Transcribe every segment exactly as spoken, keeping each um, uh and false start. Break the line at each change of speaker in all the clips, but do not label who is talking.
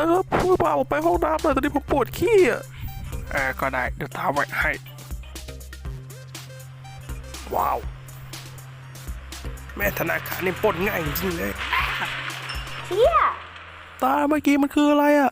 ครับช่วยพาผมไปห้องน้ำหน่อยตอนนี้ผมปวดขี้อ่ะเออก็ได้เดี๋ยวตามไว้ให้ว้าวแม่ธนาคารนี่ปล้นง่ายจริงเลย
เชี่ย
ตาเมื่อกี้มันคืออะไรอ่ะ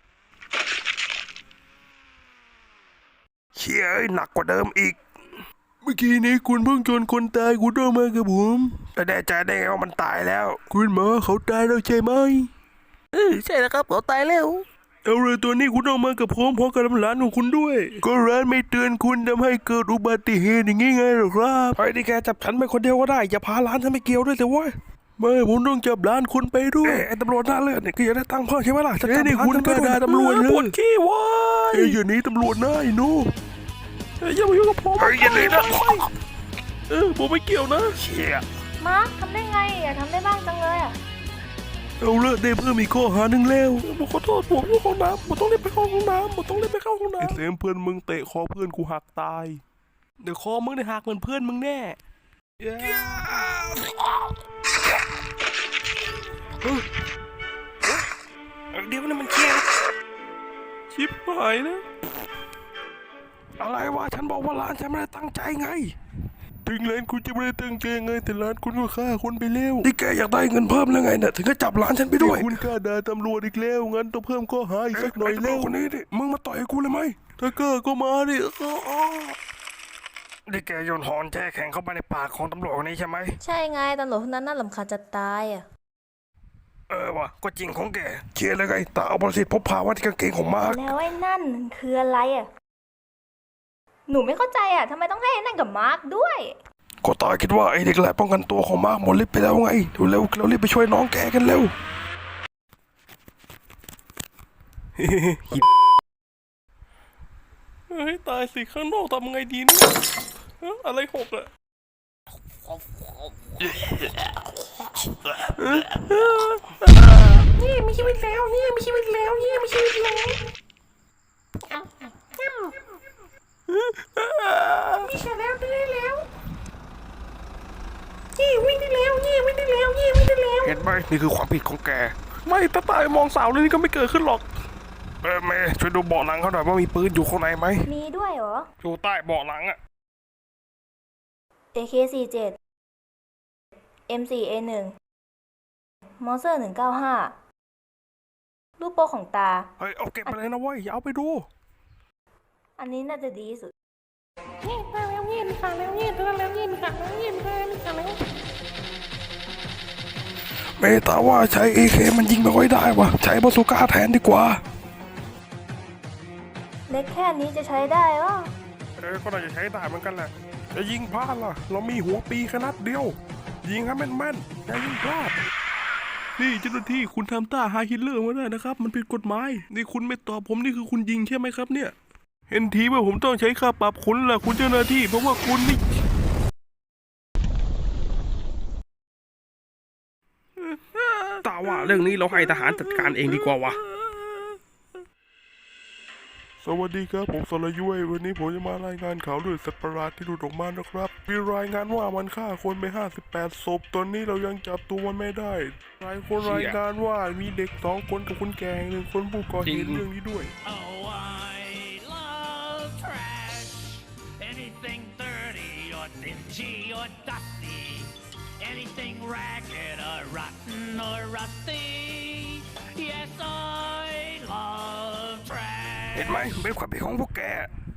เชี่ยหนักกว่าเดิมอีกเมื่อกี้นี้คุณเพิ่งชนคนตายคุณต้องมากับผมแต่แน่ใจได้ไงว่ามันตายแล้วคุณหมอเขาตายแล้วใช่ไหมเออใช่แล้วครับเขาตายแล้วเอาเลยตัวนี้คุณต้องมากับผมพร้อมกับร้านของคุณด้วยก็ร้านไม่เตือนคุณทำให้เกิดอุบัติเหตุอย่างงี้ไงหรอครับเฮ้ยนี่แกจับฉันไปคนเดียวก็ได้อย่าพาร้านฉันไปเกี่ยวด้วยสิวะไม่ผมต้องจับร้านคุณไปด้วยไอ้ตำรวจหน้าเลือดเนี่ยก็อยากได้ตังค์เพิ่มใช่ไหมล่ะจะจับร้านคุณไปด้วยตำรวจเลยปวดขี้วะเอ้ยอย่างนี้ตำรวจหน้าไอ้หนูเอ้ยอย่ามายุ่งกับผมเฮ้ยอย่าหนีนะเออผมไม่เกี่ยวนะเชี่ย
มาร์คทำได้ไงอยากทำได้บ้างจังเลยอ่ะ
เอาเลิกได้เพิ่มอีกข้อหาหนึ่งแล้วผมขอโทษผมอยู่ห้องน้ำผมต้องรีบไปเข้าห้องน้ำผมต้องรีบไปเข้าห้องน้ำไอ้เซมเพื่อนมึงเตะคอเพื่อนกูหักตายเดี๋ยวคอมึงได้หักเหมือนเพื่อนมึงแน่เดี๋ยวนี่มันเชี่ยชิบหายนะอะไรวะฉันบอกว่าร้านฉันไม่ได้ตั้งใจไงถึงร้านคุณจะไม่ได้ตั้งใจไงแต่ร้านคุณก็ฆ่าคนไปแล้วนี่แกอยากได้เงินเพิ่มแล้วไงเนี่ยถึงก็จับร้านฉันไปด้วยคุณกล้าด่าตำรวจอีกแล้วงั้นต้องเพิ่มข้อหาอีกสักหน่อยแล้วคนนี้ดิมึงมาต่อยกูเลยไหมถ้าเกิดก็มาดินี่แกโยนหอนแช่แข็งเข้าไปในปากของตำรวจคนนี้ใช่ไหม
ใช่ไงตำรวจคนนั้นน่ารำคาญจะตายอ่ะ
เออวะก็จริงของแกเชียร์เลยไงตาเอาประสิทธิ์พบพาว่าที่กางเกงของมาร์ค
แล้วไอ้นั่นคืออะไรอ่ะหนูไม่เข้าใจอ่ะทำไมต้องให้ไอ้นั่นกับมาร์คด้วย
ก็ตาคิดว่าไอ้เด็กแหละป้องกันตัวของมาร์คหมดฤทธิ์ไปแล้วไงดูเร็วเรารีบไปช่วยน้องแกกันเร็วเฮ้ยตายสิข้างนอกทำไงดีเนี่ยอะไรหกอะนี่มีชีวิตแล้วนี่มีชีวิตแล้วนี่มีชีวิตแล้วมีชีวิตแล้วได้แล้วยี่วิ่งได้แล้วยี่วิ่งได้แล้วยี่วิ่งได้แล้วเห็นไหมนี่คือความผิดของแกไม่ตาตายมองสาวเลยนี่ก็ไม่เกิดขึ้นหรอกเออเมย์ช่วยดูเบาะหลังเขาหน่อยว่ามีปืนอยู่ข้างในไหม
มีด้วยเหรอ
อยู่ใต้เบาะหลังอะ
เอ เค สี่สิบเจ็ด เอ็ม โฟร์ เอ วัน มอเซอร์หนึ่งเก้าห้ารูปโป้ของตา
เฮ้ยเอาเก็บไปเลยนะเว้ยอย่าเอาไปดู
อันนี้น่าจะดีสุด
เงียบมาแล้วเงียบค่ะแล้วเงียบแล้วแล้วเงียบค่ะแล้วเงียบค่ะแล้ว
เมตาว่าใช้ เอ เค มันยิงไม่ค่อยได้วะใช้บาซูก้าแทนดีกว่า
เล็กแค่นี้จะใช้ได้หรอ
เออก็น่าจะใช้ได้เหมือนกันแหละจะยิงพลาดล่ะเรามีหัวปีขนาดเดียวยิงให้แม่นๆอย่ายิงพลาดนี่เจ้าหน้าที่คุณทำต้าไฮฮิตเลอร์มาได้นะครับมันผิดกฎหมายนี่คุณไม่ตอบผมนี่คือคุณยิงใช่ไหมครับเนี่ยเห็นทีว่าผมต้องใช้ค่าปรับคุณล่ะคุณเจ้าหน้าที่เพราะว่าคุณนี่ตาว่าเรื่องนี้เราให้ทหารจัดการเองดีกว่าวะสวัสดีครับผมสรยุ้ยวันนี้ผมจะมารายงานข่าวเรื่องสัตว์ประหลาดที่หลุดออกมานะครับมีรายงานว่ามันฆ่าคนไปห้าสิบแปดศพตอนนี้เรายังจับตัวมันไม่ได้หลายคนรายงานว่ามีเด็กสองคนกับคนแก่หนึ่งคนผู้ก่อเหตุเรื่องนี้ด้วย
Oh, I love trash. Anything dirty or dingy or dusty. Anything ragged or rotten or rusty. Yes, I love trash.
เห็นไหมเป็นความผิดของพวกแก